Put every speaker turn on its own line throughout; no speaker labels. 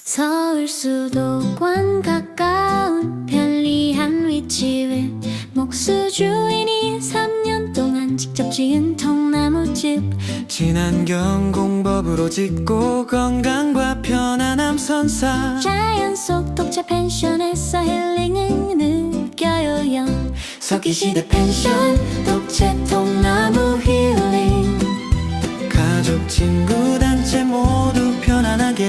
서울 수도권 가까운 편리한 위치에 목수 주인이 3년 동안 직접 지은 통나무집.
친환경 공법으로 짓고 건강과 편안함 선사.
자연 속 독채 펜션에서 힐링을 느껴요.
석기시대 펜션 독채 통나무 힐링. 가족 친구 단체 모두 편안하게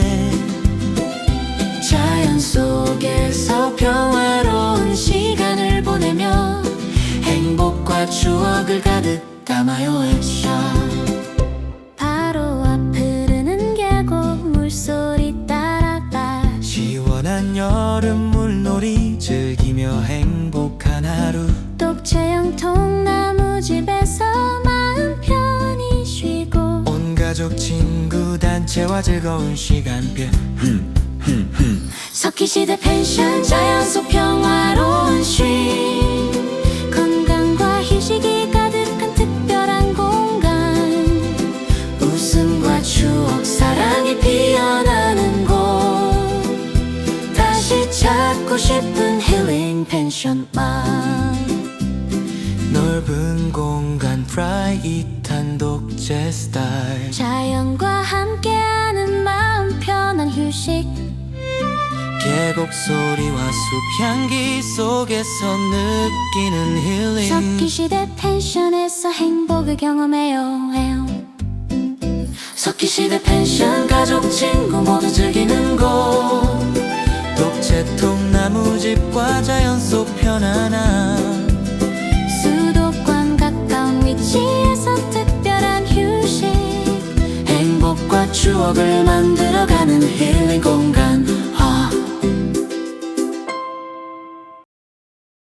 자연 속에서 평화로운 시간을 보내며
행복과 추억을 가득 담아요. 액션
바로 앞 흐르는 계곡 물소리 따라가
시원한 여름 물놀이 즐기며 행복한 하루.
독채형 통나무집에서 마음 편히 쉬고
온 가족 친구 단체와 즐거운 시간별.
석기시대 펜션 자연 속 평화로운 쉼. 건강과 휴식이 가득한 특별한 공간. 웃음과 추억 사랑이 피어나는 곳. 다시 찾고 싶은 힐링 펜션만.
넓은 공간 프라이빗한 독채 스타일.
자연과 함께하는 마음 편한 휴식.
계곡 소리와 숲 향기 속에서 느끼는 힐링.
석기시대 펜션에서 행복을 경험해요.
석기시대 펜션 가족 친구 모두 즐기는 곳. 독채 통나무집과 자연 속 편안함.
수도권 가까운 위치에서 특별한 휴식.
행복과 추억을 만들어가는 힐링.